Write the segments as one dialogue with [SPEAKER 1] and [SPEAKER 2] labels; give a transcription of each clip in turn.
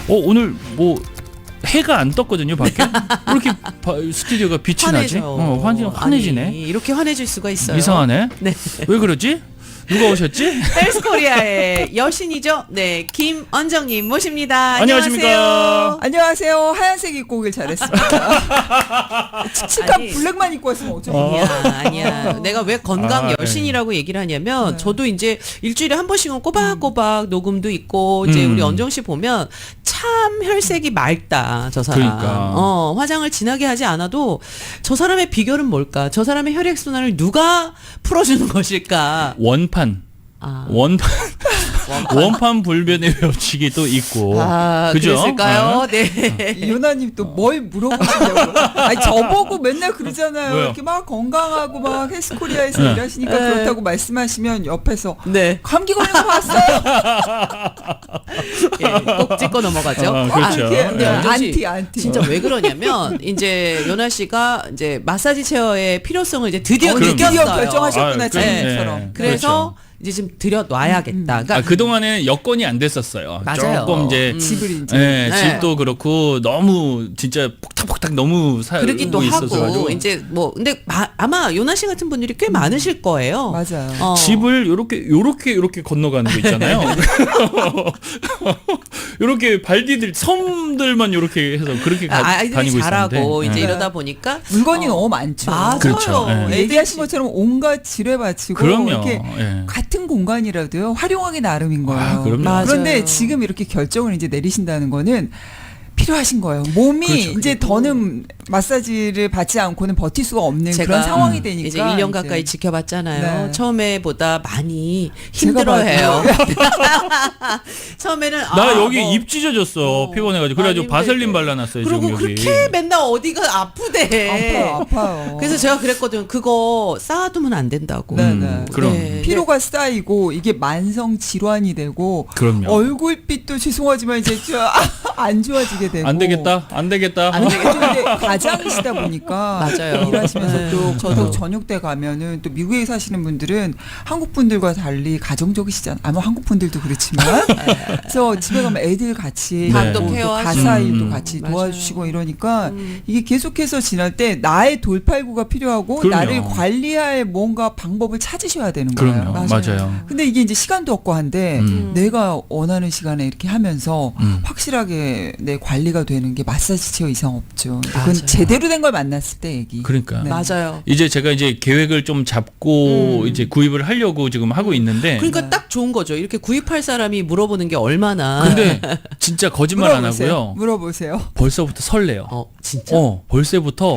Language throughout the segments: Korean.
[SPEAKER 1] 오늘 뭐 해가 안 떴거든요 밖에. 왜 이렇게 스튜디오가 빛이 나지? 환해지네.
[SPEAKER 2] 아니, 이렇게 환해질 수가 있어요.
[SPEAKER 1] 이상하네.
[SPEAKER 2] 네.
[SPEAKER 1] 왜 그러지? 누가 오셨지?
[SPEAKER 2] 헬스코리아의 여신이죠. 네, 김언정님 모십니다.
[SPEAKER 1] 안녕하십니까?
[SPEAKER 3] 안녕하세요. 하얀색 입고 오길 잘했습니다. 칙칙한 블랙만 입고 왔으면 어쩌면.
[SPEAKER 2] 아니야. 내가 왜 건강 여신이라고 얘기를 하냐면 저도 이제 일주일에 한 번씩은 꼬박꼬박 녹음도 있고 이제 우리 언정 씨 보면 참 혈색이 맑다. 저 사람.
[SPEAKER 1] 그러니까.
[SPEAKER 2] 화장을 진하게 하지 않아도 저 사람의 비결은 뭘까? 저 사람의 혈액 순환을 누가 풀어주는 것일까?
[SPEAKER 1] 원판 불변의 법칙이도 있고. 그죠?
[SPEAKER 2] 그랬을까요? 네.
[SPEAKER 3] 유나님 또 뭘 물어보시려고. 아니, 저보고 맨날 그러잖아요.
[SPEAKER 1] 왜요?
[SPEAKER 3] 이렇게 막 건강하고 막 헬스코리아에서 일하시니까 그렇다고 말씀하시면 옆에서
[SPEAKER 2] 네.
[SPEAKER 3] 감기 걸린 거 봤어요?
[SPEAKER 2] 예, 꼭 짚고 넘어가죠.
[SPEAKER 1] 그렇죠.
[SPEAKER 2] 근데 언정 씨,
[SPEAKER 3] 안티.
[SPEAKER 2] 진짜 왜 그러냐면 이제 연아 씨가 이제 마사지 체어의 필요성을 이제 드디어
[SPEAKER 1] 그럼요.
[SPEAKER 2] 느꼈어요.
[SPEAKER 3] 드디어 결정하셨구나,
[SPEAKER 1] 네.
[SPEAKER 3] 자기처럼.
[SPEAKER 2] 그래서 이제 좀 들여놔야겠다. 그러니까
[SPEAKER 1] 그동안에는 여건이 안 됐었어요.
[SPEAKER 2] 맞아요.
[SPEAKER 1] 조금 이제
[SPEAKER 3] 집을 이제.
[SPEAKER 1] 네,
[SPEAKER 2] 네.
[SPEAKER 1] 집도 그렇고 너무 진짜 폭탁폭탁 너무
[SPEAKER 2] 그러기도
[SPEAKER 1] 살고
[SPEAKER 2] 하고
[SPEAKER 1] 있어서
[SPEAKER 2] 이제 뭐 근데 아마 요나 씨 같은 분들이 꽤 많으실 거예요.
[SPEAKER 3] 맞아요.
[SPEAKER 1] 집을 요렇게 건너가는 거 있잖아요. 요렇게 발디딜 섬들만 요렇게 해서 그렇게
[SPEAKER 2] 아이들이
[SPEAKER 1] 다니고
[SPEAKER 2] 잘하고
[SPEAKER 1] 있었는데.
[SPEAKER 2] 이제
[SPEAKER 1] 네.
[SPEAKER 2] 이러다 보니까
[SPEAKER 3] 물건이 너무 많죠.
[SPEAKER 2] 맞아요.
[SPEAKER 1] 그렇죠. 네.
[SPEAKER 3] 얘기하신 것처럼 온갖 지뢰받치고
[SPEAKER 1] 그럼요.
[SPEAKER 3] 이렇게
[SPEAKER 1] 예.
[SPEAKER 3] 같은 공간이라도요 활용하기 나름인 거예요.
[SPEAKER 1] 그럼요.
[SPEAKER 2] 맞아요.
[SPEAKER 3] 그런데 지금 이렇게 결정을 이제 내리신다는 거는 필요하신 거예요. 몸이
[SPEAKER 1] 그렇죠.
[SPEAKER 3] 이제 더는 마사지를 받지 않고는 버틸 수가 없는
[SPEAKER 2] 제가
[SPEAKER 3] 그런 상황이 되니까
[SPEAKER 2] 이제 1년 가까이 지켜봤잖아요.
[SPEAKER 3] 네.
[SPEAKER 2] 처음에보다 많이
[SPEAKER 3] 제가
[SPEAKER 2] 힘들어해요. 처음에는
[SPEAKER 1] 나 여기 입 찢어졌어. 피곤해가지고. 그래가지고
[SPEAKER 2] 많이
[SPEAKER 1] 바셀린
[SPEAKER 2] 힘들대.
[SPEAKER 1] 발라놨어요.
[SPEAKER 2] 그리고
[SPEAKER 1] 지금 여기.
[SPEAKER 2] 그렇게 맨날 어디가 아프대.
[SPEAKER 3] 아파요.
[SPEAKER 2] 그래서 제가 그랬거든. 그거 쌓아두면 안 된다고.
[SPEAKER 3] 네.
[SPEAKER 1] 그럼.
[SPEAKER 2] 네.
[SPEAKER 3] 피로가 쌓이고 이게 만성 질환이 되고
[SPEAKER 1] 그럼요.
[SPEAKER 3] 얼굴빛도 죄송하지만 이제 안 좋아지게 되고
[SPEAKER 1] 안 되겠다.
[SPEAKER 2] 안 되겠다.
[SPEAKER 3] 근데 가장이시다 보니까
[SPEAKER 2] 맞아요.
[SPEAKER 3] 일하시면서
[SPEAKER 2] 네.
[SPEAKER 3] 또
[SPEAKER 2] 저도.
[SPEAKER 3] 저녁 때 가면은 또 미국에 사시는 분들은 한국 분들과 달리 가정적이시잖아요. 아마 한국 분들도 그렇지만 그래서 집에 가면 애들 같이
[SPEAKER 2] 밥도
[SPEAKER 3] 또
[SPEAKER 2] 케어하시고.
[SPEAKER 3] 가사 일도 같이
[SPEAKER 2] 맞아요.
[SPEAKER 3] 도와주시고 이러니까 이게 계속해서 지날 때 나의 돌팔구가 필요하고
[SPEAKER 1] 그럼요.
[SPEAKER 3] 나를 관리할 뭔가 방법을 찾으셔야 되는 거예요.
[SPEAKER 1] 그럼요. 맞아요.
[SPEAKER 3] 근데 이게 이제 시간도 없고 한데 내가 원하는 시간에 이렇게 하면서
[SPEAKER 1] 음.
[SPEAKER 3] 확실하게 내 관리가 되는 게 마사지 체어 이상 없죠. 그건
[SPEAKER 2] 맞아요.
[SPEAKER 3] 제대로 된 걸 만났을 때 얘기.
[SPEAKER 1] 그러니까.
[SPEAKER 3] 네.
[SPEAKER 2] 맞아요.
[SPEAKER 1] 이제 제가 이제 계획을 좀 잡고 이제 구입을 하려고 지금 하고 있는데.
[SPEAKER 2] 그러니까 딱 좋은 거죠. 이렇게 구입할 사람이 물어보는 게 얼마나.
[SPEAKER 1] 근데 진짜 거짓말 안
[SPEAKER 3] 물어보세요.
[SPEAKER 1] 하고요.
[SPEAKER 3] 물어보세요.
[SPEAKER 1] 벌써부터 설레요.
[SPEAKER 2] 진짜.
[SPEAKER 1] 벌써부터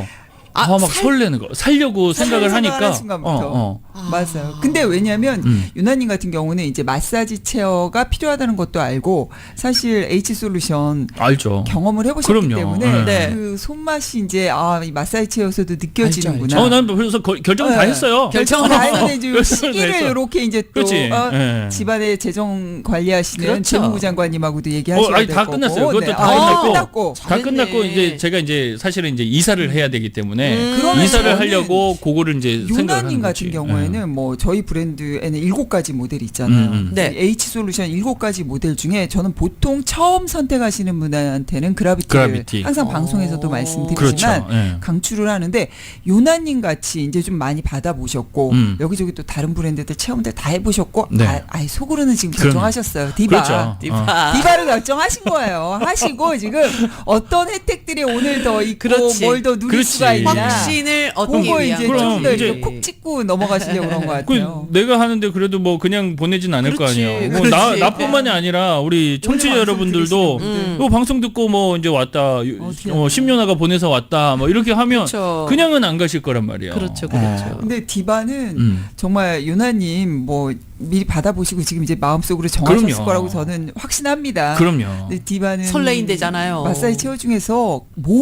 [SPEAKER 1] 막 설레는 거. 살려고 생각을 하니까.
[SPEAKER 3] 하는 순간부터. 맞아요. 근데 왜냐하면 유나님 같은 경우는 이제 마사지 체어가 필요하다는 것도 알고 사실 H솔루션
[SPEAKER 1] 알죠.
[SPEAKER 3] 경험을 해보셨기
[SPEAKER 1] 그럼요.
[SPEAKER 3] 때문에
[SPEAKER 2] 네.
[SPEAKER 3] 그 손맛이 이제 이 마사지 체어에서도 느껴지는구나.
[SPEAKER 2] 알죠.
[SPEAKER 1] 난 그래서 결정 다
[SPEAKER 3] 네.
[SPEAKER 1] 했어요.
[SPEAKER 3] 결정을 다 했는데 이제
[SPEAKER 1] 결정을 다
[SPEAKER 3] 시기를
[SPEAKER 1] 했어.
[SPEAKER 3] 이렇게 이제 또
[SPEAKER 1] 그렇지. 예.
[SPEAKER 3] 집안의 재정 관리하시는
[SPEAKER 2] 그렇죠.
[SPEAKER 3] 재무부 장관님하고도 얘기하셔야
[SPEAKER 1] 아니
[SPEAKER 3] 될
[SPEAKER 1] 다
[SPEAKER 3] 거고.
[SPEAKER 1] 끝났어요. 그것도
[SPEAKER 3] 네.
[SPEAKER 1] 다 끝났고.
[SPEAKER 3] 끝났고.
[SPEAKER 1] 다
[SPEAKER 2] 잘했네.
[SPEAKER 1] 끝났고 이제 제가 이제 사실은 이제 이사를 해야 되기 때문에
[SPEAKER 3] 그러면
[SPEAKER 1] 이사를
[SPEAKER 3] 저는
[SPEAKER 1] 하려고 그거를 이제 생각을
[SPEAKER 3] 유나님
[SPEAKER 1] 하는
[SPEAKER 3] 같은
[SPEAKER 1] 거지.
[SPEAKER 3] 경우에는 뭐 저희 브랜드에는 7가지 모델이 있잖아요.
[SPEAKER 2] 네.
[SPEAKER 3] H솔루션 7가지 모델 중에 저는 보통 처음 선택하시는 분한테는 그라비티를
[SPEAKER 1] 그라비티.
[SPEAKER 3] 항상 방송에서도 말씀드리지만
[SPEAKER 1] 그렇죠. 예.
[SPEAKER 3] 강추를 하는데 요나님 같이 이제 좀 많이 받아보셨고 여기저기 또 다른 브랜드들 체험들 다 해보셨고
[SPEAKER 1] 네.
[SPEAKER 3] 속으로는 지금
[SPEAKER 1] 그럼요.
[SPEAKER 3] 결정하셨어요. 디바.
[SPEAKER 1] 그렇죠.
[SPEAKER 3] 디바를 결정하신 거예요. 하시고 지금 어떤 혜택들이 오늘 더 있고
[SPEAKER 2] 그렇지.
[SPEAKER 3] 뭘 더 누릴
[SPEAKER 1] 그렇지.
[SPEAKER 3] 수가 있냐.
[SPEAKER 2] 확신을 얻기
[SPEAKER 3] 그거
[SPEAKER 2] 위한
[SPEAKER 3] 이제
[SPEAKER 1] 그럼
[SPEAKER 3] 좀 더
[SPEAKER 1] 이제
[SPEAKER 3] 이제 콕 찍고 넘어가시려고 그런 것 같아요.
[SPEAKER 1] 내가 하는데 그래도 뭐 그냥 보내진 않을
[SPEAKER 2] 그렇지,
[SPEAKER 1] 거 아니에요. 뭐
[SPEAKER 2] 그렇지.
[SPEAKER 1] 나뿐만이 아니라 우리 청취자
[SPEAKER 3] 오늘
[SPEAKER 1] 여러분들도
[SPEAKER 3] 방송 들으시는
[SPEAKER 1] 이 방송 듣고 뭐 이제 왔다. 심연아가 보내서 왔다. 뭐 이렇게 하면
[SPEAKER 2] 그렇죠.
[SPEAKER 1] 그냥은 안 가실 거란 말이에요.
[SPEAKER 2] 그렇죠.
[SPEAKER 3] 근데 디바는 정말 유나님 뭐 미리 받아보시고 지금 이제 마음속으로 정하셨을
[SPEAKER 1] 그럼요.
[SPEAKER 3] 거라고 저는 확신합니다.
[SPEAKER 1] 그럼요.
[SPEAKER 3] 근데 디바는
[SPEAKER 2] 설레인대잖아요.
[SPEAKER 3] 마사지 체어 중에서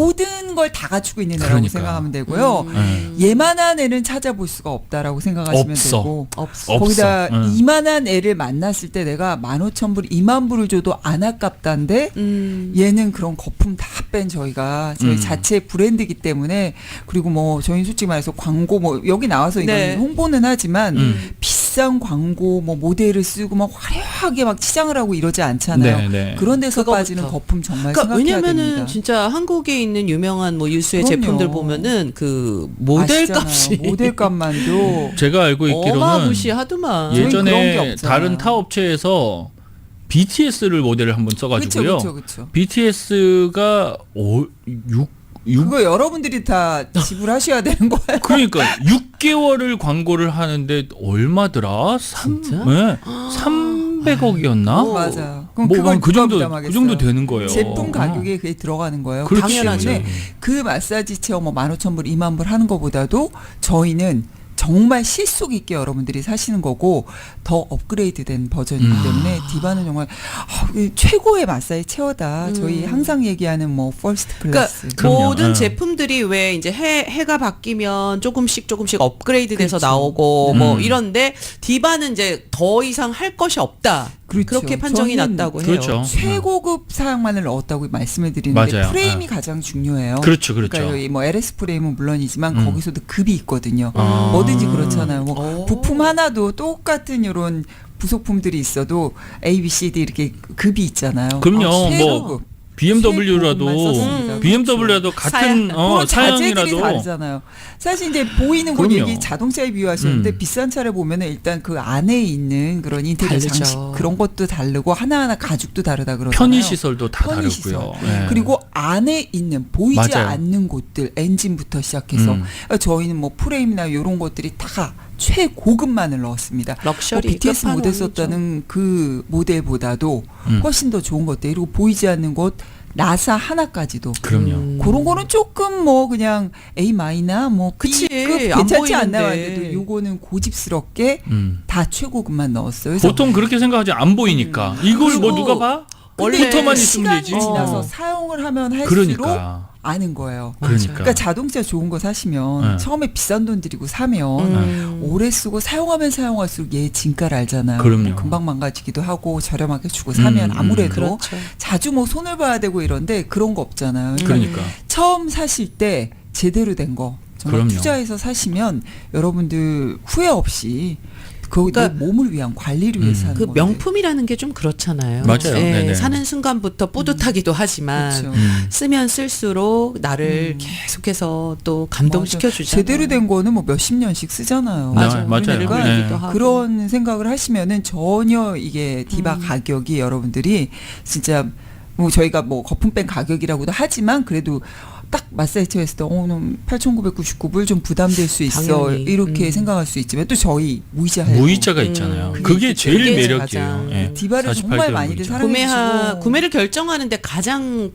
[SPEAKER 3] 모든 걸 다 갖추고 있는 애라고
[SPEAKER 1] 그러니까.
[SPEAKER 3] 생각하면 되고요. 얘만한 애는 찾아볼 수가 없다라고 생각하시면
[SPEAKER 1] 없어.
[SPEAKER 3] 되고
[SPEAKER 2] 없어.
[SPEAKER 3] 거기다
[SPEAKER 1] 없어.
[SPEAKER 3] 이만한 애를 만났을 때 내가 15,000불, 20,000불을 줘도 안 아깝다는데 얘는 그런 거품 다 뺀 저희가 저희 자체 브랜드이기 때문에 그리고 뭐 저희는 솔직히 말해서 광고 뭐 여기 나와서 이건
[SPEAKER 2] 네.
[SPEAKER 3] 홍보는 하지만 비싼 비싼 광고 뭐 모델을 쓰고 막 화려하게 막 치장을 하고 이러지 않잖아요.
[SPEAKER 1] 네.
[SPEAKER 3] 그런 데서
[SPEAKER 2] 그거부터.
[SPEAKER 3] 빠지는 거품 정말
[SPEAKER 2] 그러니까
[SPEAKER 3] 생각해야
[SPEAKER 2] 왜냐면은
[SPEAKER 3] 됩니다.
[SPEAKER 2] 진짜 한국에 있는 유명한 뭐 유수의
[SPEAKER 3] 그럼요.
[SPEAKER 2] 제품들 보면은 그 모델
[SPEAKER 3] 아시잖아요.
[SPEAKER 2] 값이
[SPEAKER 3] 모델값만도
[SPEAKER 1] 제가 알고 있기로는
[SPEAKER 2] 어마무시하더만.
[SPEAKER 3] 그런 게
[SPEAKER 1] 예전에
[SPEAKER 3] 없잖아요.
[SPEAKER 1] 다른 타 업체에서 BTS를 모델을 한번 써가지고요.
[SPEAKER 3] 그렇죠.
[SPEAKER 1] BTS가 6
[SPEAKER 3] 그거 여러분들이 다 지불하셔야 되는 거예요.
[SPEAKER 1] 그러니까 6개월을 광고를 하는데 얼마더라?
[SPEAKER 2] 진짜?
[SPEAKER 1] 네. 300억이었나?
[SPEAKER 3] 맞아요. 그럼
[SPEAKER 1] 뭐
[SPEAKER 3] 그걸
[SPEAKER 1] 그
[SPEAKER 3] 누가
[SPEAKER 1] 정도
[SPEAKER 3] 부담하겠어요?
[SPEAKER 1] 그 정도 되는 거예요.
[SPEAKER 3] 제품 가격에 그게 들어가는 거예요.
[SPEAKER 1] 그렇지.
[SPEAKER 3] 그렇기 때문에 그 마사지 체어 뭐 15,000불, 20,000불 하는 것보다도 저희는 정말 실속 있게 여러분들이 사시는 거고 더 업그레이드된 버전이기 때문에 디바는 정말 최고의 마사지 체어다. 저희 항상 얘기하는 뭐 퍼스트 클래스.
[SPEAKER 2] 그러니까
[SPEAKER 1] 그럼요.
[SPEAKER 2] 모든
[SPEAKER 1] 예.
[SPEAKER 2] 제품들이 왜 이제 해가 바뀌면 조금씩 업그레이드돼서
[SPEAKER 3] 그렇죠.
[SPEAKER 2] 나오고 뭐 이런데 디바는 이제 더 이상 할 것이 없다.
[SPEAKER 3] 그렇죠.
[SPEAKER 2] 그렇게 판정이
[SPEAKER 3] 저는
[SPEAKER 2] 났다고 해요.
[SPEAKER 1] 그렇죠.
[SPEAKER 3] 최고급 사양만을 넣었다고 말씀을 드리는데
[SPEAKER 1] 맞아요.
[SPEAKER 3] 프레임이
[SPEAKER 1] 예.
[SPEAKER 3] 가장 중요해요.
[SPEAKER 1] 그렇죠. 그렇죠.
[SPEAKER 3] 그러니까 여기 뭐 LS 프레임은 물론이지만 거기서도 급이 있거든요.
[SPEAKER 1] 아.
[SPEAKER 3] 뭐든지 그렇잖아요. 뭐
[SPEAKER 2] 오.
[SPEAKER 3] 부품 하나도 똑같은 이런 부속품들이 있어도 A, B, C, D 이렇게 급이 있잖아요.
[SPEAKER 1] 그럼요.
[SPEAKER 3] 최고급.
[SPEAKER 1] BMW라도
[SPEAKER 3] 최고급만 썼습니다.
[SPEAKER 1] BMW라도 같은
[SPEAKER 3] 그런 자재들이
[SPEAKER 1] 사양이라도
[SPEAKER 3] 다르잖아요. 사실 이제 보이는 건
[SPEAKER 1] 그럼요.
[SPEAKER 3] 얘기 자동차에 비유하셨는데 비싼 차를 보면은 일단 그 안에 있는 그런 인테리어
[SPEAKER 2] 다르죠.
[SPEAKER 3] 장식 그런 것도 다르고 하나하나 가죽도 다르다 그러잖아요.
[SPEAKER 1] 편의 시설도 다
[SPEAKER 3] 편의시설.
[SPEAKER 1] 다르고요. 예.
[SPEAKER 3] 그리고 안에 있는 보이지
[SPEAKER 1] 맞아요.
[SPEAKER 3] 않는 곳들 엔진부터 시작해서 그러니까 저희는 뭐 프레임이나 이런 것들이 다 최고급만을 넣었습니다.
[SPEAKER 2] 럭셔리
[SPEAKER 3] BTS 모델
[SPEAKER 2] 끝판왕이죠.
[SPEAKER 3] 썼다는 그 모델보다도 훨씬 더 좋은 것들 그리고 보이지 않는 곳 나사 하나까지도
[SPEAKER 1] 그럼요.
[SPEAKER 3] 그런 거는 조금 뭐 그냥 A 마이나 뭐
[SPEAKER 2] 그치.
[SPEAKER 3] B급
[SPEAKER 2] 안
[SPEAKER 3] 괜찮지 않나요?
[SPEAKER 2] 보이는데.
[SPEAKER 3] 근데도 요거는 고집스럽게 다 최고급만 넣었어요. 그래서
[SPEAKER 1] 보통 그렇게 생각하지 안 보이니까 이걸 뭐
[SPEAKER 2] 그리고
[SPEAKER 1] 누가 봐?
[SPEAKER 2] 원래
[SPEAKER 1] 컴퓨터만 있으면
[SPEAKER 3] 시간이
[SPEAKER 1] 되지.
[SPEAKER 3] 지나서 사용을 하면 할수록
[SPEAKER 1] 그러니까
[SPEAKER 3] 아는 거예요.
[SPEAKER 1] 그러니까.
[SPEAKER 3] 그러니까 자동차 좋은 거 사시면
[SPEAKER 1] 네.
[SPEAKER 3] 처음에 비싼 돈 들이고 사면 오래 쓰고 사용하면 사용할수록 얘 진가를 알잖아요.
[SPEAKER 1] 그럼요.
[SPEAKER 3] 금방 망가지기도 하고 저렴하게 주고 사면 아무래도
[SPEAKER 2] 그렇죠.
[SPEAKER 3] 자주 뭐 손을 봐야 되고 이런데 그런 거 없잖아요.
[SPEAKER 1] 그러니까
[SPEAKER 3] 처음 사실 때 제대로 된 거 정말
[SPEAKER 1] 그럼요.
[SPEAKER 3] 투자해서 사시면 여러분들 후회 없이 그
[SPEAKER 2] 그러니까
[SPEAKER 3] 몸을 위한 관리를 위해서 하는
[SPEAKER 2] 그
[SPEAKER 3] 건데.
[SPEAKER 2] 명품이라는 게 좀 그렇잖아요.
[SPEAKER 1] 맞아요.
[SPEAKER 2] 예,
[SPEAKER 1] 네네.
[SPEAKER 2] 사는 순간부터 뿌듯하기도 하지만
[SPEAKER 3] 그렇죠.
[SPEAKER 2] 쓰면 쓸수록 나를 계속해서 또 감동시켜
[SPEAKER 3] 맞아.
[SPEAKER 2] 주잖아요.
[SPEAKER 3] 제대로 된 거는 뭐 몇십 년씩 쓰잖아요.
[SPEAKER 1] 맞아요.
[SPEAKER 2] 늙어
[SPEAKER 1] 네.
[SPEAKER 2] 있기도 하고.
[SPEAKER 3] 그런 생각을 하시면은 전혀 이게 디바 가격이 여러분들이 진짜 뭐 저희가 뭐 거품 뺀 가격이라고도 하지만 그래도 딱 마사지 했을 때 8,999불 좀 부담될 수 있어
[SPEAKER 2] 당연히.
[SPEAKER 3] 이렇게 생각할 수 있지만 또 저희 무이자 할부
[SPEAKER 1] 무이자가 있잖아요.
[SPEAKER 3] 그게
[SPEAKER 1] 그게 제일
[SPEAKER 2] 그게
[SPEAKER 1] 매력이에요.
[SPEAKER 2] 가장
[SPEAKER 1] 예.
[SPEAKER 3] 디바를
[SPEAKER 1] 48개월
[SPEAKER 3] 정말 많이들
[SPEAKER 1] 무이자.
[SPEAKER 3] 사랑해주시고
[SPEAKER 2] 구매를 결정하는데 가장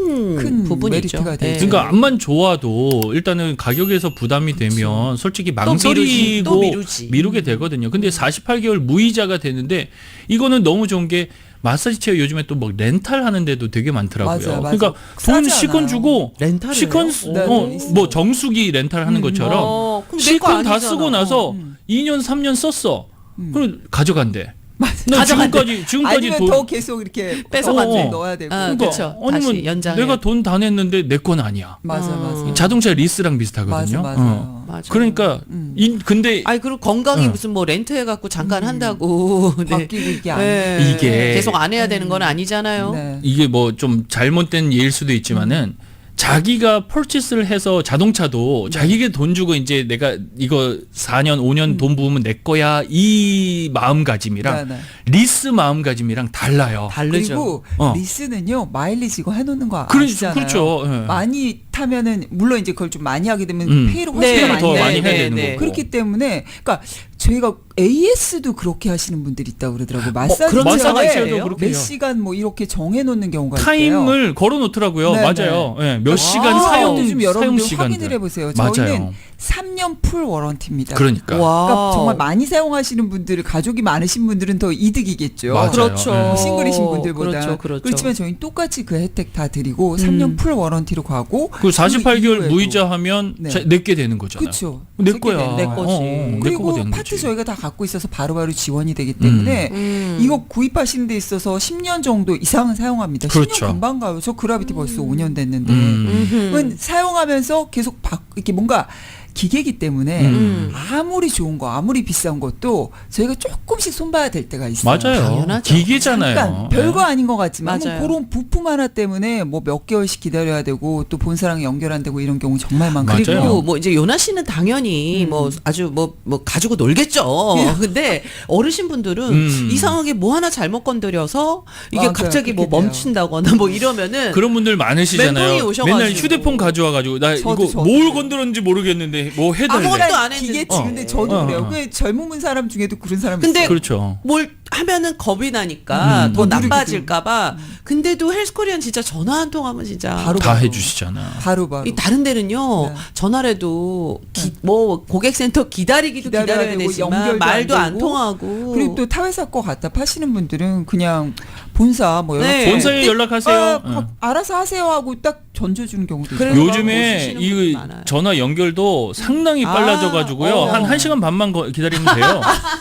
[SPEAKER 2] 큰 부분이죠.
[SPEAKER 3] 메리트가 되죠.
[SPEAKER 2] 예.
[SPEAKER 1] 그러니까 암만 좋아도 일단은 가격에서 부담이 되면 솔직히 망설이고
[SPEAKER 2] 또 미루지.
[SPEAKER 1] 미루게 되거든요. 근데 48개월 무이자가 되는데 이거는 너무 좋은 게 마사지 체어 요즘에 또 뭐 렌탈 하는데도 되게 많더라고요.
[SPEAKER 3] 맞아요, 맞아요.
[SPEAKER 1] 그러니까 돈
[SPEAKER 3] 싸지
[SPEAKER 1] 시컨
[SPEAKER 3] 않아요.
[SPEAKER 1] 주고
[SPEAKER 2] 렌탈이에요?
[SPEAKER 1] 시컨
[SPEAKER 3] 네, 있어요.
[SPEAKER 1] 뭐 정수기 렌탈 하는 것처럼
[SPEAKER 2] 그럼 내 거
[SPEAKER 1] 시컨 다
[SPEAKER 2] 아니잖아.
[SPEAKER 1] 쓰고 나서 2년 3년 썼어. 그럼 가져간대. 나
[SPEAKER 2] 가져간대.
[SPEAKER 1] 지금까지
[SPEAKER 3] 아니면
[SPEAKER 1] 돈
[SPEAKER 3] 더 계속 이렇게
[SPEAKER 2] 뺏어간대.
[SPEAKER 3] 넣어야 되고
[SPEAKER 2] 아,
[SPEAKER 1] 그러니까
[SPEAKER 2] 그쵸.
[SPEAKER 1] 아니면
[SPEAKER 2] 다시 연장해.
[SPEAKER 1] 내가 돈 다 냈는데 내 건 아니야.
[SPEAKER 3] 맞아.
[SPEAKER 1] 자동차 리스랑 비슷하거든요.
[SPEAKER 3] 맞아요.
[SPEAKER 2] 맞아.
[SPEAKER 1] 그러니까 근데
[SPEAKER 2] 아니 그리고 건강이 무슨 뭐 렌트 해갖고 잠깐 한다고 네.
[SPEAKER 3] 바뀌고 이게 안
[SPEAKER 2] 네.
[SPEAKER 1] 이게
[SPEAKER 2] 계속 안 해야 되는 건 아니잖아요.
[SPEAKER 3] 네.
[SPEAKER 1] 이게 뭐 좀 잘못된 예일 수도 있지만은 자기가 펄치스를 해서 자동차도 자기가 돈 주고 이제 내가 이거 4년 5년 돈 부으면 내 거야 이 마음가짐이랑
[SPEAKER 3] 네.
[SPEAKER 1] 리스 마음가짐이랑 달라요.
[SPEAKER 2] 다르죠.
[SPEAKER 3] 그리고 리스는요 마일리지 이거 해놓는 거 아시잖아요.
[SPEAKER 1] 그렇죠. 예.
[SPEAKER 3] 많이 타면은 물론 이제 그걸 좀 많이 하게 되면 페이를 훨씬
[SPEAKER 2] 네,
[SPEAKER 3] 더 많이
[SPEAKER 1] 더
[SPEAKER 3] 해야
[SPEAKER 1] 많이 해야 되는
[SPEAKER 3] 되고
[SPEAKER 1] 거고.
[SPEAKER 3] 그렇기 때문에 그러니까 저희가 AS도 그렇게 하시는 분들이 있다고 그러더라고요. 마사지
[SPEAKER 2] 그런
[SPEAKER 1] 마사지
[SPEAKER 2] 회사가
[SPEAKER 1] 체어도
[SPEAKER 2] 있어요?
[SPEAKER 1] 그렇게
[SPEAKER 3] 몇
[SPEAKER 1] 해요.
[SPEAKER 3] 시간 뭐 이렇게 정해놓는 경우가 있대요.
[SPEAKER 1] 타임을 걸어 놓더라고요.
[SPEAKER 3] 네,
[SPEAKER 1] 맞아요. 예, 몇
[SPEAKER 2] 아,
[SPEAKER 1] 시간 사용
[SPEAKER 3] 좀
[SPEAKER 1] 사용
[SPEAKER 3] 여러분들
[SPEAKER 1] 시간들.
[SPEAKER 3] 확인을 해보세요.
[SPEAKER 1] 맞아요.
[SPEAKER 3] 저희는 3년 풀 워런티입니다.
[SPEAKER 1] 그러니까.
[SPEAKER 2] 와.
[SPEAKER 3] 그러니까 정말 많이 사용하시는 분들, 가족이 많으신 분들은 더 이득이겠죠.
[SPEAKER 1] 맞아요.
[SPEAKER 2] 그렇죠.
[SPEAKER 1] 네.
[SPEAKER 3] 싱글이신 분들보다.
[SPEAKER 2] 그렇죠, 그렇죠.
[SPEAKER 3] 그렇지만 저희는 똑같이 그 혜택 다 드리고 3년 풀 워런티로 가고
[SPEAKER 1] 그 48개월
[SPEAKER 3] 이후에도.
[SPEAKER 1] 무이자 하면
[SPEAKER 3] 네.
[SPEAKER 1] 내게 되는 거잖아요.
[SPEAKER 3] 그렇죠.
[SPEAKER 1] 내 거야.
[SPEAKER 2] 내 거지.
[SPEAKER 1] 내 거가
[SPEAKER 3] 그리고
[SPEAKER 1] 되는
[SPEAKER 3] 파트
[SPEAKER 1] 거지.
[SPEAKER 3] 저희가 다 갖고 있어서 바로바로 지원이 되기 때문에 이거 구입하시는 데 있어서 10년 정도 이상은 사용합니다.
[SPEAKER 1] 그렇죠.
[SPEAKER 3] 10년 금방 가요. 저 그라비티 벌써 5년 됐는데.
[SPEAKER 1] 음.
[SPEAKER 3] 그건 사용하면서 계속 이렇게 뭔가 기계이기 때문에
[SPEAKER 2] 음.
[SPEAKER 3] 아무리 좋은 거 아무리 비싼 것도 저희가 조금씩 손봐야 될 때가 있어요.
[SPEAKER 1] 맞아요.
[SPEAKER 2] 당연하죠.
[SPEAKER 1] 기계잖아요.
[SPEAKER 3] 잠깐 별거 아닌 것 같지만
[SPEAKER 2] 맞아요.
[SPEAKER 3] 뭐 그런 부품 하나 때문에 뭐 몇 개월씩 기다려야 되고 또 본사랑 연결 안 되고 이런 경우 정말 많거든요.
[SPEAKER 1] 맞아요.
[SPEAKER 2] 그리고 뭐 이제 요나 씨는 당연히 뭐 아주 뭐 가지고 놀겠죠. 근데 어르신 분들은 이상하게 뭐 하나 잘못 건드려서 이게
[SPEAKER 3] 맞아요.
[SPEAKER 2] 갑자기 뭐
[SPEAKER 3] 그렇게 돼요.
[SPEAKER 2] 멈춘다거나 뭐 이러면은
[SPEAKER 1] 그런 분들 많으시잖아요.
[SPEAKER 2] 멘붕이 오셔가지고.
[SPEAKER 1] 맨날 휴대폰 가져와가지고 나
[SPEAKER 3] 저도.
[SPEAKER 1] 이거 뭘 건드렸는지 모르겠는데 뭐 해달래.
[SPEAKER 2] 아무것도 안 했는데.
[SPEAKER 3] 기계치 근데 저도
[SPEAKER 1] 어.
[SPEAKER 3] 그래요. 그 젊은 사람 중에도 그런 사람
[SPEAKER 2] 근데
[SPEAKER 3] 있어요.
[SPEAKER 1] 그렇죠.
[SPEAKER 2] 뭘 하면은 겁이 나니까 더
[SPEAKER 3] 누르기도.
[SPEAKER 2] 나빠질까봐. 근데도 헬스코리안 진짜 전화 한 통 하면 진짜
[SPEAKER 3] 바로
[SPEAKER 1] 다 해주시잖아.
[SPEAKER 3] 바로
[SPEAKER 2] 이 다른 데는요
[SPEAKER 3] 네.
[SPEAKER 2] 전화라도 뭐 고객센터 기다리기도
[SPEAKER 3] 기다려야
[SPEAKER 2] 기다려야
[SPEAKER 3] 되고
[SPEAKER 2] 되지만
[SPEAKER 3] 연결도
[SPEAKER 2] 말도
[SPEAKER 3] 안
[SPEAKER 2] 안
[SPEAKER 3] 되고.
[SPEAKER 2] 통하고
[SPEAKER 3] 그리고 또 타회사 거 갖다 파시는 분들은 그냥 본사 뭐 연락
[SPEAKER 2] 네.
[SPEAKER 1] 본사에 연락하세요.
[SPEAKER 3] 알아서 하세요 하고 딱 던져주는 경우도
[SPEAKER 2] 그래서
[SPEAKER 3] 있어요.
[SPEAKER 1] 요즘에
[SPEAKER 2] 뭐 쓰시는 분이
[SPEAKER 1] 이
[SPEAKER 2] 많아요.
[SPEAKER 1] 전화 연결도 상당히 빨라져가지고요. 한 1시간 반만 기다리면 돼요.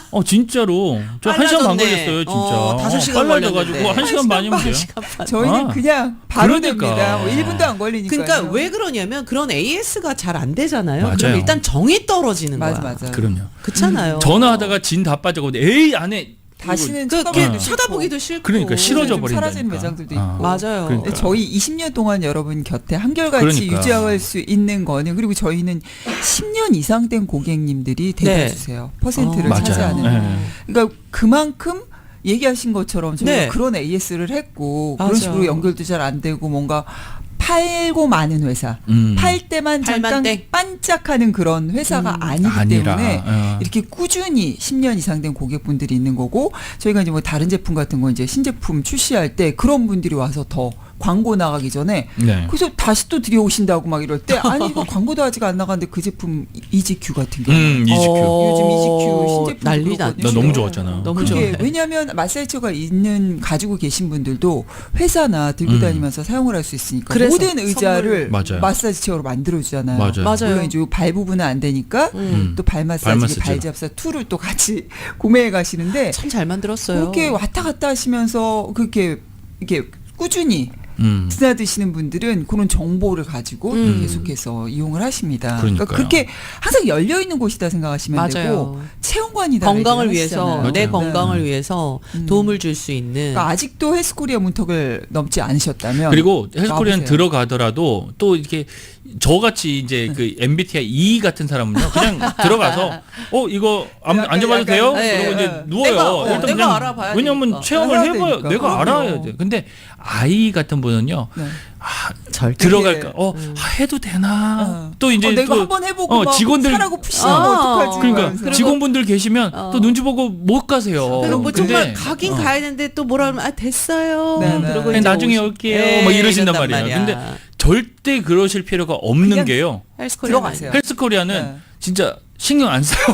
[SPEAKER 1] 진짜로. 저 1시간 반
[SPEAKER 2] 빨라졌네.
[SPEAKER 1] 걸렸어요, 진짜.
[SPEAKER 2] 5시간
[SPEAKER 1] 빨라져가지고
[SPEAKER 2] 걸렸는데.
[SPEAKER 1] 1시간 반이면 돼요.
[SPEAKER 3] 저희는
[SPEAKER 1] 아.
[SPEAKER 3] 그냥 바로
[SPEAKER 1] 그러니까.
[SPEAKER 3] 됩니다. 뭐 1분도 안 걸리니까.
[SPEAKER 2] 그러니까 왜 그러냐면 그런 AS가 잘 안 되잖아요.
[SPEAKER 1] 맞아요.
[SPEAKER 2] 그럼 일단 정이 떨어지는
[SPEAKER 3] 맞아
[SPEAKER 2] 거야.
[SPEAKER 3] 맞아.
[SPEAKER 2] 음.
[SPEAKER 1] 그럼요.
[SPEAKER 2] 그렇잖아요.
[SPEAKER 1] 전화하다가 진 다 빠져가지고 에이 안에
[SPEAKER 3] 다시는
[SPEAKER 2] 그
[SPEAKER 3] 쳐다보기도
[SPEAKER 2] 쳐다보기도 싫고.
[SPEAKER 1] 그러니까 싫어져
[SPEAKER 3] 좀
[SPEAKER 1] 버린다니까.
[SPEAKER 3] 사라지는 매장들도
[SPEAKER 1] 어.
[SPEAKER 3] 있고.
[SPEAKER 2] 맞아요.
[SPEAKER 1] 그러니까.
[SPEAKER 3] 저희 20년 동안 여러분 곁에 한결같이
[SPEAKER 1] 그러니까.
[SPEAKER 3] 유지할 수 있는 거는 그리고 저희는 10년 이상 된 고객님들이 대다수세요. 퍼센트를
[SPEAKER 1] 맞아요.
[SPEAKER 3] 차지하는.
[SPEAKER 1] 네.
[SPEAKER 3] 그러니까 그만큼 얘기하신 것처럼 저희가
[SPEAKER 2] 네.
[SPEAKER 3] 그런 AS를 했고
[SPEAKER 2] 맞아요.
[SPEAKER 3] 그런 식으로 연결도 잘 안 되고 뭔가 팔고 많은 회사, 팔 때만
[SPEAKER 2] 팔만
[SPEAKER 3] 잠깐
[SPEAKER 2] 땡.
[SPEAKER 3] 반짝하는 그런 회사가 아니기
[SPEAKER 1] 아니라,
[SPEAKER 3] 때문에
[SPEAKER 1] 어.
[SPEAKER 3] 이렇게 꾸준히 10년 이상 된 고객분들이 있는 거고 저희가 이제 뭐 다른 제품 같은 거 이제 신제품 출시할 때 그런 분들이 와서 더 광고 나가기 전에
[SPEAKER 1] 네.
[SPEAKER 3] 그래서 다시 또 들여오신다고 막 이럴 때 아니 이거 광고도 아직 안 나갔는데 그 제품 이지큐 같은 경우
[SPEAKER 1] 이지큐.
[SPEAKER 3] 요즘 이지큐 신제품
[SPEAKER 2] 난리 났죠.
[SPEAKER 1] 나 너무 좋았잖아.
[SPEAKER 2] 너무
[SPEAKER 3] 그게
[SPEAKER 2] 좋아요.
[SPEAKER 3] 왜냐하면 마사지처가 있는 가지고 계신 분들도 회사나 들고 다니면서 사용을 할 수 있으니까
[SPEAKER 2] 그래서
[SPEAKER 3] 모든 의자를
[SPEAKER 1] 맞아요.
[SPEAKER 3] 마사지 체어로 만들어주잖아요.
[SPEAKER 1] 맞아요.
[SPEAKER 2] 맞아요.
[SPEAKER 3] 물론 이제 발 부분은 안 되니까 또 발
[SPEAKER 1] 발
[SPEAKER 3] 마사지,
[SPEAKER 1] 마사지.
[SPEAKER 3] 발 잡사 툴을 또 같이 구매해 가시는데
[SPEAKER 2] 참 잘 만들었어요.
[SPEAKER 3] 그렇게 왔다 갔다 하시면서 그렇게 이렇게 꾸준히 드나드시는 분들은 그런 정보를 가지고 계속해서 이용을 하십니다. 그러니까
[SPEAKER 1] 그러니까요.
[SPEAKER 3] 그렇게 항상 열려 있는 곳이다 생각하시면
[SPEAKER 2] 맞아요.
[SPEAKER 3] 되고 체험관이다.
[SPEAKER 2] 건강을
[SPEAKER 3] 얘기를
[SPEAKER 2] 위해서
[SPEAKER 3] 하시잖아요.
[SPEAKER 2] 내
[SPEAKER 3] 네.
[SPEAKER 2] 건강을 위해서 도움을 줄 수 있는
[SPEAKER 3] 그러니까 아직도 헬스코리아 문턱을 넘지 않으셨다면
[SPEAKER 1] 그리고 헬스코리안
[SPEAKER 3] 와보세요.
[SPEAKER 1] 들어가더라도 또 이렇게 저같이 이제 그 MBTI E 같은 사람은요 그냥 들어가서 이거 앉아봐도
[SPEAKER 3] 약간,
[SPEAKER 1] 돼요?
[SPEAKER 2] 네.
[SPEAKER 1] 그러고 이제 누워요.
[SPEAKER 2] 내가
[SPEAKER 1] 일단
[SPEAKER 2] 내가
[SPEAKER 1] 그냥
[SPEAKER 2] 알아봐야
[SPEAKER 1] 왜냐면
[SPEAKER 2] 되니까.
[SPEAKER 1] 체험을
[SPEAKER 3] 알아야
[SPEAKER 1] 해봐야
[SPEAKER 3] 되니까.
[SPEAKER 1] 내가
[SPEAKER 3] 그럼요.
[SPEAKER 1] 알아야 돼. 근데 I 같은 분은요
[SPEAKER 3] 네.
[SPEAKER 1] 절대 들어갈까? 해도 되나? 또 이제
[SPEAKER 3] 내가
[SPEAKER 1] 또
[SPEAKER 3] 한번 해보고 막
[SPEAKER 1] 직원들
[SPEAKER 3] 사라고 푸시면 어떡하지?
[SPEAKER 1] 그러니까
[SPEAKER 3] 이러면서.
[SPEAKER 1] 직원분들 계시면 또 눈치 보고 못 가세요.
[SPEAKER 2] 그리고 뭐
[SPEAKER 1] 근데
[SPEAKER 2] 정말 가긴 가야 되는데 또 뭐라 그러면 됐어요.
[SPEAKER 3] 네, 네.
[SPEAKER 2] 그러고
[SPEAKER 1] 아니,
[SPEAKER 2] 이제
[SPEAKER 1] 나중에
[SPEAKER 2] 오시-
[SPEAKER 1] 올게요.
[SPEAKER 2] 네,
[SPEAKER 1] 막 이러신단
[SPEAKER 2] 이런단
[SPEAKER 1] 말이에요.
[SPEAKER 2] 말이야.
[SPEAKER 1] 근데 절대 그러실 필요가 없는
[SPEAKER 3] 그냥
[SPEAKER 1] 게요.
[SPEAKER 2] 헬스코리아
[SPEAKER 3] 들어가세요.
[SPEAKER 1] 헬스코리아는
[SPEAKER 3] 네.
[SPEAKER 1] 진짜 신경 안 써요.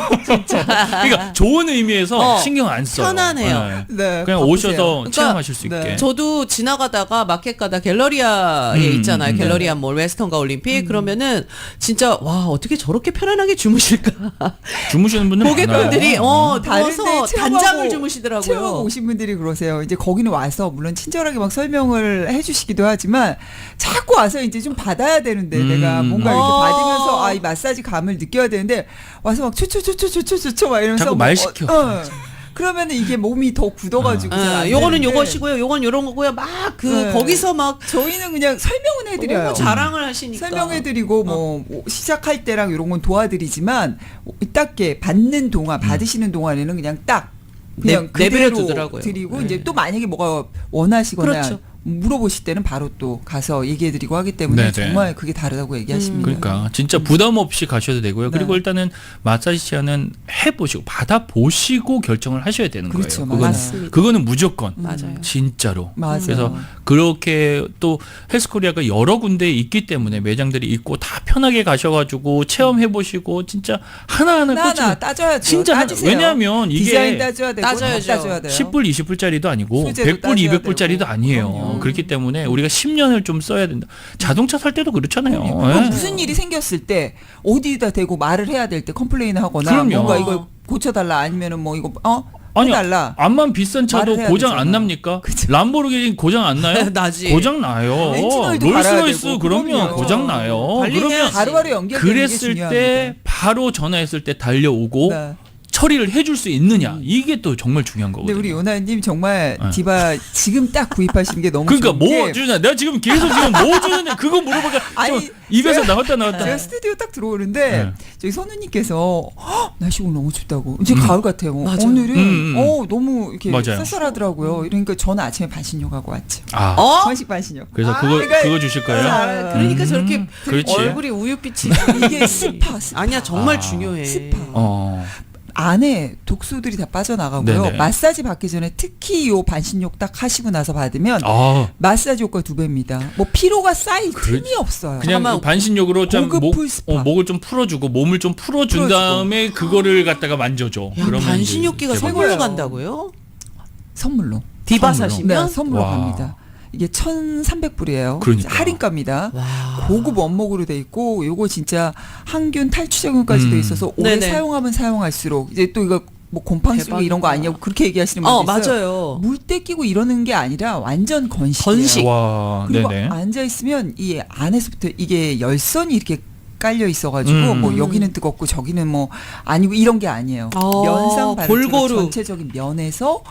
[SPEAKER 1] 그러니까 좋은 의미에서 신경 안 써요.
[SPEAKER 2] 편안해요.
[SPEAKER 3] 네,
[SPEAKER 1] 그냥
[SPEAKER 3] 바쁘세요.
[SPEAKER 1] 오셔서
[SPEAKER 2] 그러니까
[SPEAKER 1] 체험하실 수
[SPEAKER 3] 네.
[SPEAKER 1] 있게.
[SPEAKER 2] 저도 지나가다가 마켓 가다 갤러리아에 있잖아요. 갤러리아 몰 웨스턴가 올림픽 그러면은 진짜 와 어떻게 저렇게 편안하게 주무실까?
[SPEAKER 1] 주무시는 분들
[SPEAKER 2] 고객분들이
[SPEAKER 1] 많아요.
[SPEAKER 2] 누워서
[SPEAKER 3] 다른데
[SPEAKER 2] 단잠을 주무시더라고요.
[SPEAKER 3] 체험하고 오신 분들이 그러세요. 이제 거기는 와서 물론 친절하게 막 설명을 해주시기도 하지만 자꾸 와서 이제 좀 받아야 되는데 내가 뭔가 이렇게 받으면서 이 마사지 감을 느껴야 되는데 와서 막 초초초초초초초 막 이러면서
[SPEAKER 1] 자꾸 말 시켜.
[SPEAKER 3] 그러면은 이게 몸이 더 굳어가지고 잘안
[SPEAKER 2] 요거는
[SPEAKER 3] 되는데
[SPEAKER 2] 요것이고요. 요건 요런 거고요. 막
[SPEAKER 3] 네.
[SPEAKER 2] 거기서 막
[SPEAKER 3] 저희는 그냥 설명은 해드려요.
[SPEAKER 2] 너무 자랑을 하시니까.
[SPEAKER 3] 설명해드리고 뭐 시작할 때랑 이런 건 도와드리지만 딱게 받는 동안 받으시는 동안에는 그냥 딱 그냥
[SPEAKER 2] 내버려
[SPEAKER 3] 그대로
[SPEAKER 2] 두더라고요.
[SPEAKER 3] 드리고
[SPEAKER 2] 네.
[SPEAKER 3] 이제 또 만약에 뭐가 원하시거나
[SPEAKER 2] 그렇죠.
[SPEAKER 3] 물어보실 때는 바로 또 가서 얘기해드리고 하기 때문에
[SPEAKER 1] 네네.
[SPEAKER 3] 정말 그게 다르다고 얘기하십니다.
[SPEAKER 1] 그러니까 진짜 부담 없이 가셔도 되고요. 그리고
[SPEAKER 3] 네.
[SPEAKER 1] 일단은 마사지 체어는 해보시고 받아보시고 결정을 하셔야 되는
[SPEAKER 3] 그렇죠.
[SPEAKER 1] 거예요.
[SPEAKER 2] 맞습니다.
[SPEAKER 1] 그거는 무조건
[SPEAKER 2] 맞아요.
[SPEAKER 1] 진짜로.
[SPEAKER 3] 맞아요.
[SPEAKER 1] 그래서 그렇게 또 헬스코리아가 여러 군데에 있기 때문에 매장들이 있고 다 편하게 가셔가지고 체험해보시고 진짜 하나하나
[SPEAKER 3] 하나
[SPEAKER 1] 꽂히는
[SPEAKER 3] 따져야죠.
[SPEAKER 1] 진짜
[SPEAKER 3] 따지세요.
[SPEAKER 1] 왜냐하면 이게
[SPEAKER 3] 디자인 따져야 되고
[SPEAKER 2] 따져야죠.
[SPEAKER 3] 따져야 돼요.
[SPEAKER 1] 10불, 20불짜리도 아니고
[SPEAKER 3] 소재도
[SPEAKER 1] 100불,
[SPEAKER 3] 따져야
[SPEAKER 1] 200불짜리도
[SPEAKER 3] 되고.
[SPEAKER 1] 아니에요.
[SPEAKER 3] 그럼요.
[SPEAKER 1] 그렇기 때문에 우리가 10년을 좀 써야 된다. 자동차 살 때도 그렇잖아요.
[SPEAKER 3] 그럼
[SPEAKER 1] 예.
[SPEAKER 3] 무슨 일이 생겼을 때 어디다 대고 말을 해야 될 때 컴플레인을 하거나
[SPEAKER 1] 그럼요.
[SPEAKER 3] 뭔가 이걸 고쳐달라 아니면은 뭐 이거
[SPEAKER 1] 아니,
[SPEAKER 3] 해달라.
[SPEAKER 1] 암만 비싼 차도
[SPEAKER 3] 말을 해야
[SPEAKER 1] 고장 안
[SPEAKER 3] 되잖아.
[SPEAKER 1] 납니까? 람보르기니 고장 안 나요?
[SPEAKER 2] 나지.
[SPEAKER 1] 고장 나요.
[SPEAKER 3] 엔진오일도 갈아야
[SPEAKER 1] 롤스로이스
[SPEAKER 3] 되고,
[SPEAKER 1] 그러면
[SPEAKER 3] 그럼요.
[SPEAKER 1] 고장 나요.
[SPEAKER 2] 관리해야지.
[SPEAKER 1] 그러면
[SPEAKER 3] 바로바로 연결되는 게
[SPEAKER 1] 그랬을
[SPEAKER 3] 중요합니다.
[SPEAKER 1] 때 바로 전화했을 때 달려오고
[SPEAKER 3] 네.
[SPEAKER 1] 처리를 해줄 수 있느냐 이게 또 정말 중요한
[SPEAKER 3] 근데
[SPEAKER 1] 거거든요.
[SPEAKER 3] 우리 요나님 정말
[SPEAKER 1] 네.
[SPEAKER 3] 디바 지금 딱 구입하시는 게 너무
[SPEAKER 1] 그러니까
[SPEAKER 3] 좋은
[SPEAKER 1] 뭐
[SPEAKER 3] 게
[SPEAKER 1] 주냐? 내가 지금 계속 지금 뭐 주는데 그거 물어보니까
[SPEAKER 3] 아니,
[SPEAKER 1] 좀 입에서 나왔다
[SPEAKER 3] 제가 스튜디오 딱 들어오는데
[SPEAKER 1] 네.
[SPEAKER 3] 저희 선우님께서 "헉, 날씨 오늘 너무 춥다고 이제 가을 같아요.
[SPEAKER 2] 맞아요.
[SPEAKER 3] 오늘은 너무 이렇게
[SPEAKER 1] 맞아요.
[SPEAKER 3] 쌀쌀하더라고요. 이러니까 저는 아침에 반신욕 하고 왔죠.
[SPEAKER 1] 아,
[SPEAKER 2] 어?
[SPEAKER 3] 건식 반신욕.
[SPEAKER 1] 그래서
[SPEAKER 3] 그러니까
[SPEAKER 1] 그거 주실 거예요?
[SPEAKER 2] 그러니까 저렇게
[SPEAKER 1] 그렇지.
[SPEAKER 2] 얼굴이 우윳빛이
[SPEAKER 3] 이게 스파.
[SPEAKER 2] 아니야 정말
[SPEAKER 1] 아.
[SPEAKER 2] 중요해.
[SPEAKER 3] 스파.
[SPEAKER 1] 어.
[SPEAKER 3] 안에 독소들이 다 빠져나가고요.
[SPEAKER 1] 네네.
[SPEAKER 3] 마사지 받기 전에 특히 요 반신욕 딱 하시고 나서 받으면
[SPEAKER 1] 아,
[SPEAKER 3] 마사지 효과 2배입니다. 뭐 피로가 쌓일 틈이 없어요.
[SPEAKER 1] 그냥
[SPEAKER 2] 잠깐만.
[SPEAKER 1] 반신욕으로 좀
[SPEAKER 3] 고급 풀스파.
[SPEAKER 1] 목을 좀 풀어주고 몸을 좀 풀어준
[SPEAKER 3] 풀어주고.
[SPEAKER 1] 다음에 그거를 갖다가 만져줘.
[SPEAKER 2] 야,
[SPEAKER 1] 그러면
[SPEAKER 2] 반신욕기가
[SPEAKER 1] 이제
[SPEAKER 2] 선물로
[SPEAKER 3] 최고예요.
[SPEAKER 2] 간다고요?
[SPEAKER 3] 선물로.
[SPEAKER 2] 디바
[SPEAKER 1] 선물로?
[SPEAKER 2] 사시면?
[SPEAKER 3] 네, 선물로
[SPEAKER 1] 와.
[SPEAKER 3] 갑니다. 이게 1,300불이에요.
[SPEAKER 1] 그러니까.
[SPEAKER 3] 할인가입니다.
[SPEAKER 2] 와.
[SPEAKER 3] 고급 원목으로 돼 있고 요거 진짜 항균 탈취 작용까지 돼 있어서 오래
[SPEAKER 2] 네네.
[SPEAKER 3] 사용하면 사용할수록 이제 또 이거 뭐 곰팡이 속
[SPEAKER 2] 대박이다.
[SPEAKER 3] 이런 거 아니냐고 그렇게 얘기하시는 분들 있어요.
[SPEAKER 2] 맞아요.
[SPEAKER 3] 물때 끼고 이러는 게 아니라 완전 건식이에요.
[SPEAKER 2] 건식.
[SPEAKER 1] 와,
[SPEAKER 3] 그리고
[SPEAKER 1] 네네.
[SPEAKER 3] 앉아 있으면 이 안에서부터 이게 열선이 이렇게 깔려 있어가지고 뭐 여기는 뜨겁고 저기는 뭐 아니고 이런 게 아니에요. 면상 발효처럼
[SPEAKER 2] 골고루.
[SPEAKER 3] 전체적인 면에서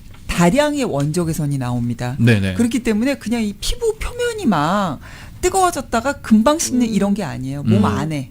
[SPEAKER 3] 다량의 원적외선이 나옵니다.
[SPEAKER 1] 네네.
[SPEAKER 3] 그렇기 때문에 그냥 이 피부 표면이 막 뜨거워졌다가 금방 식는 이런 게 아니에요. 몸 안에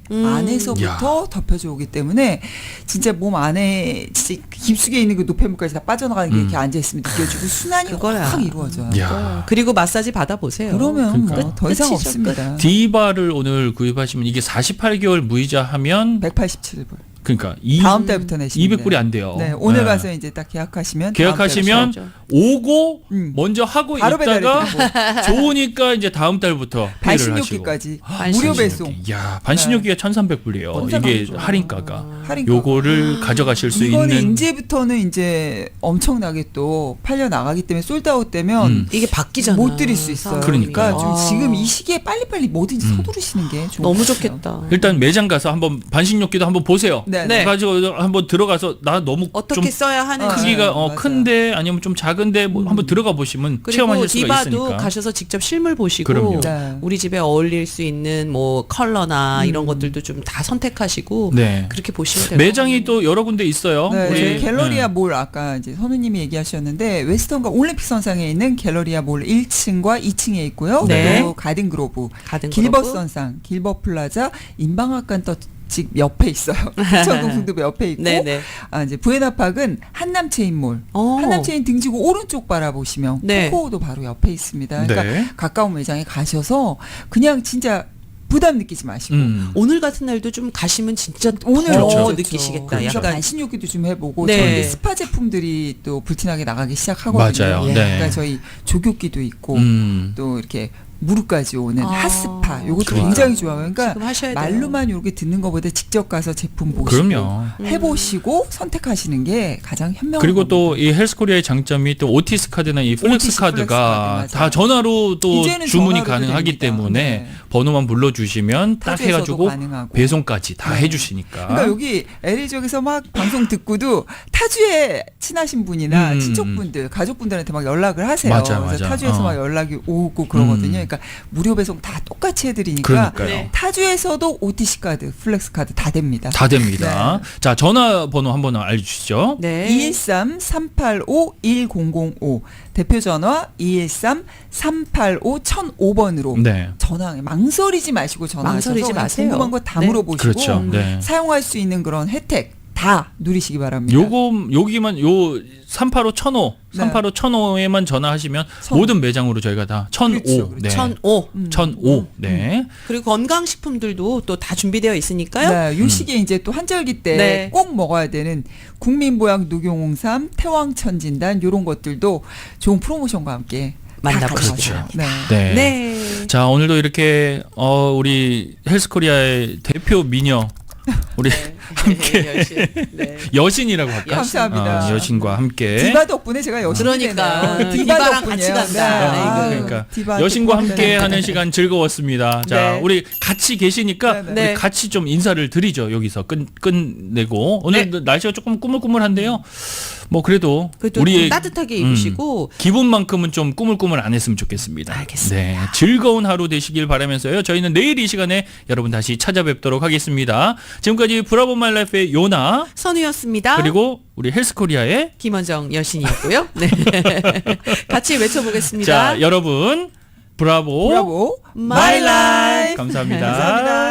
[SPEAKER 3] 안에서부터 덮여져 오기 때문에 진짜 몸 안에 진짜 깊숙이 있는 그 노폐물까지 다 빠져나가는 게 이렇게 앉아 있으면 느껴지고 순환이
[SPEAKER 2] 그거야.
[SPEAKER 3] 확 이루어져요.
[SPEAKER 1] 야.
[SPEAKER 2] 그리고 마사지 받아보세요.
[SPEAKER 3] 그러면
[SPEAKER 1] 그러니까.
[SPEAKER 3] 뭐 더 이상
[SPEAKER 2] 끝이죠,
[SPEAKER 3] 없습니다.
[SPEAKER 1] 디바를 오늘 구입하시면 이게 48개월 무이자 하면
[SPEAKER 3] 187불.
[SPEAKER 1] 그러니까
[SPEAKER 3] 다음 달부터 내시면
[SPEAKER 1] 200불이 안 돼요.
[SPEAKER 3] 네, 오늘
[SPEAKER 1] 네.
[SPEAKER 3] 가서 이제 딱 계약하시면
[SPEAKER 1] 계약하시면
[SPEAKER 2] 다음
[SPEAKER 1] 오고
[SPEAKER 3] 음.
[SPEAKER 1] 먼저 하고
[SPEAKER 3] 바로
[SPEAKER 1] 있다가
[SPEAKER 3] 배달해드리고
[SPEAKER 1] 좋으니까 이제 다음 달부터 페이를 하시고.
[SPEAKER 3] 반신욕기까지
[SPEAKER 2] 반신욕기.
[SPEAKER 3] 무료 배송.
[SPEAKER 1] 야, 반신욕기가 1,300불이에요. 이게
[SPEAKER 3] 1,300불.
[SPEAKER 1] 할인가가.
[SPEAKER 3] 할인가.
[SPEAKER 1] 요거를 가져가실 수
[SPEAKER 3] 이거는
[SPEAKER 1] 있는
[SPEAKER 3] 이제부터는 이제 엄청나게 또 팔려 나가기 때문에 솔드아웃 되면
[SPEAKER 2] 이게 바뀌잖아.
[SPEAKER 3] 못 드릴 수 있어요.
[SPEAKER 1] 그러니까요.
[SPEAKER 3] 좀
[SPEAKER 2] 아.
[SPEAKER 3] 지금 이 시기에 빨리빨리 뭐든지 서두르시는 게 좋은
[SPEAKER 2] 너무
[SPEAKER 3] 것 같아요.
[SPEAKER 2] 좋겠다.
[SPEAKER 1] 일단 매장 가서 한번 반신욕기도 한번 보세요.
[SPEAKER 3] 네.
[SPEAKER 2] 네.
[SPEAKER 1] 가지고 한번 들어가서 나 너무
[SPEAKER 2] 어떻게
[SPEAKER 1] 좀
[SPEAKER 2] 써야 하는지.
[SPEAKER 1] 크기가
[SPEAKER 3] 맞아요.
[SPEAKER 1] 큰데 아니면 좀 작은데 뭐 한번 들어가 보시면
[SPEAKER 2] 그리고
[SPEAKER 1] 체험하실 수가
[SPEAKER 2] 디바도
[SPEAKER 1] 있으니까.
[SPEAKER 2] 가셔서 직접 실물 보시고
[SPEAKER 1] 그럼요.
[SPEAKER 3] 네.
[SPEAKER 2] 우리 집에 어울릴 수 있는 뭐 컬러나 이런 것들도 좀 다 선택하시고
[SPEAKER 1] 네.
[SPEAKER 2] 그렇게 보시면 돼요.
[SPEAKER 1] 매장이 또 여러 군데 있어요.
[SPEAKER 3] 네,
[SPEAKER 1] 우리
[SPEAKER 3] 저희 갤러리아 몰 아까 이제 선우님이 얘기하셨는데 웨스턴과 올림픽 선상에 있는 갤러리아 몰 1층과 2층에 있고요.
[SPEAKER 2] 네.
[SPEAKER 3] 그리고 가든 그로브,
[SPEAKER 2] 가든
[SPEAKER 3] 길벗
[SPEAKER 2] 그로브.
[SPEAKER 3] 선상, 길벗 플라자, 인방학관 집 옆에 있어요. 부천동 승도부 옆에 있고,
[SPEAKER 2] 네네.
[SPEAKER 3] 이제 부에나팍은 한남체인몰,
[SPEAKER 2] 어.
[SPEAKER 3] 한남체인 등지고 오른쪽 바라보시면
[SPEAKER 2] 네.
[SPEAKER 3] 코코오도 바로 옆에 있습니다. 그러니까
[SPEAKER 1] 네.
[SPEAKER 3] 가까운 매장에 가셔서 그냥 진짜 부담 느끼지 마시고.
[SPEAKER 2] 오늘 같은 날도 좀 가시면 진짜
[SPEAKER 3] 오늘
[SPEAKER 2] 더
[SPEAKER 1] 그렇죠.
[SPEAKER 2] 느끼시겠다.
[SPEAKER 3] 그래서
[SPEAKER 2] 약간
[SPEAKER 3] 반신욕기도 좀 해보고
[SPEAKER 2] 네.
[SPEAKER 3] 저희 이제 스파 제품들이 또 불티나게 나가기 시작하거든요.
[SPEAKER 1] 맞아요.
[SPEAKER 2] 예.
[SPEAKER 1] 네.
[SPEAKER 3] 그러니까 저희 조교기도 있고 또 이렇게 무릎까지 오는
[SPEAKER 2] 아,
[SPEAKER 3] 핫스파 요것도
[SPEAKER 1] 그러니까.
[SPEAKER 3] 굉장히 좋아요. 그러니까
[SPEAKER 2] 지금 하셔야 돼요.
[SPEAKER 3] 말로만 이렇게 듣는 것보다 직접 가서 제품 보시고
[SPEAKER 1] 그럼요.
[SPEAKER 3] 해보시고 선택하시는 게 가장 현명한
[SPEAKER 1] 그리고 또
[SPEAKER 3] 겁니다.
[SPEAKER 1] 이 헬스코리아의 장점이 또 오티스 카드나 이 플렉스
[SPEAKER 3] 오티스
[SPEAKER 1] 카드가
[SPEAKER 3] 플렉스 카드,
[SPEAKER 1] 다
[SPEAKER 3] 맞아요.
[SPEAKER 1] 전화로 또
[SPEAKER 3] 이제는
[SPEAKER 1] 주문이
[SPEAKER 3] 전화로도
[SPEAKER 1] 가능하기
[SPEAKER 3] 됩니다.
[SPEAKER 1] 때문에
[SPEAKER 3] 네.
[SPEAKER 1] 번호만 불러주시면 딱
[SPEAKER 3] 타주에서도
[SPEAKER 1] 해가지고
[SPEAKER 3] 가능하고.
[SPEAKER 1] 배송까지 다
[SPEAKER 3] 네.
[SPEAKER 1] 해주시니까.
[SPEAKER 3] 그러니까 여기 LA 지역에서 막 방송 듣고도 타주에 친하신 분이나
[SPEAKER 1] 음,
[SPEAKER 3] 친척분들, 가족분들한테 막 연락을 하세요.
[SPEAKER 1] 맞아,
[SPEAKER 3] 그래서
[SPEAKER 1] 맞아.
[SPEAKER 3] 타주에서 막 연락이 오고 그러거든요.
[SPEAKER 1] 음.
[SPEAKER 3] 그러니까 무료 배송 다 똑같이 해드리니까
[SPEAKER 1] 그러니까요.
[SPEAKER 2] 네.
[SPEAKER 3] 타주에서도 OTC 카드, 플렉스 카드 다 됩니다.
[SPEAKER 1] 다 됩니다.
[SPEAKER 3] 네.
[SPEAKER 1] 자, 전화번호 한번 알려주시죠.
[SPEAKER 2] 네.
[SPEAKER 3] 213-385-1005 대표 전화 213-385-1005번으로
[SPEAKER 1] 네.
[SPEAKER 3] 전화 망설이지 마시고 전화하셔서
[SPEAKER 2] 망설이지
[SPEAKER 3] 그냥
[SPEAKER 2] 마세요.
[SPEAKER 3] 궁금한 거 다
[SPEAKER 2] 네.
[SPEAKER 3] 물어보시고
[SPEAKER 1] 그렇죠. 네.
[SPEAKER 3] 사용할 수 있는 그런 혜택 다 누리시기 바랍니다.
[SPEAKER 1] 여기만 요 385-1005,
[SPEAKER 3] 네.
[SPEAKER 1] 385-1005에만 전화하시면
[SPEAKER 3] 1005.
[SPEAKER 1] 모든 매장으로 저희가 다 1005.
[SPEAKER 3] 그렇죠, 그렇죠.
[SPEAKER 1] 네.
[SPEAKER 2] 1005.
[SPEAKER 1] 1005. 네.
[SPEAKER 2] 그리고 건강식품들도 또 다 준비되어 있으니까요.
[SPEAKER 3] 네, 요 시기에 이제 또 한절기 때
[SPEAKER 2] 네.
[SPEAKER 3] 꼭 먹어야 되는 국민보약 녹용홍삼, 태왕천진단 요런 것들도 좋은 프로모션과 함께 다
[SPEAKER 2] 만나보시죠.
[SPEAKER 3] 가져가세요. 네.
[SPEAKER 1] 네.
[SPEAKER 2] 네.
[SPEAKER 1] 자, 오늘도 이렇게 우리 헬스코리아의 대표 미녀 우리 함께
[SPEAKER 2] 여신. 네.
[SPEAKER 1] 여신이라고 할까?
[SPEAKER 3] 감사합니다.
[SPEAKER 1] 여신과 함께
[SPEAKER 3] 디바 덕분에 제가 여신이
[SPEAKER 2] 그러니까
[SPEAKER 3] 되네요.
[SPEAKER 2] 디바랑 같이
[SPEAKER 3] 덕분이에요.
[SPEAKER 2] 간다.
[SPEAKER 3] 네.
[SPEAKER 2] 아이고.
[SPEAKER 1] 그러니까
[SPEAKER 3] 디바
[SPEAKER 1] 여신과
[SPEAKER 3] 덕분에.
[SPEAKER 1] 함께 하는 시간 즐거웠습니다. 자,
[SPEAKER 2] 네.
[SPEAKER 1] 우리 같이 계시니까
[SPEAKER 3] 네, 네.
[SPEAKER 1] 우리
[SPEAKER 2] 네.
[SPEAKER 1] 같이 좀 인사를 드리죠. 여기서 끝내고 오늘 날씨가 조금 꾸물꾸물한데요. 뭐 그래도
[SPEAKER 2] 그래도
[SPEAKER 1] 우리의
[SPEAKER 2] 따뜻하게 입으시고
[SPEAKER 1] 기분만큼은 좀 꾸물꾸물 안 했으면 좋겠습니다.
[SPEAKER 2] 알겠습니다.
[SPEAKER 1] 네, 즐거운 하루 되시길 바라면서요. 저희는 내일 이 시간에 여러분 다시 찾아뵙도록 하겠습니다. 지금까지 브라보 마이 라이프의 요나
[SPEAKER 2] 선우였습니다.
[SPEAKER 1] 그리고 우리 헬스코리아의
[SPEAKER 2] 김원정 여신이었고요. 네. 같이 외쳐보겠습니다.
[SPEAKER 1] 자, 여러분 브라보
[SPEAKER 3] 브라보
[SPEAKER 2] 마이 라이프.
[SPEAKER 1] 감사합니다.
[SPEAKER 3] 감사합니다.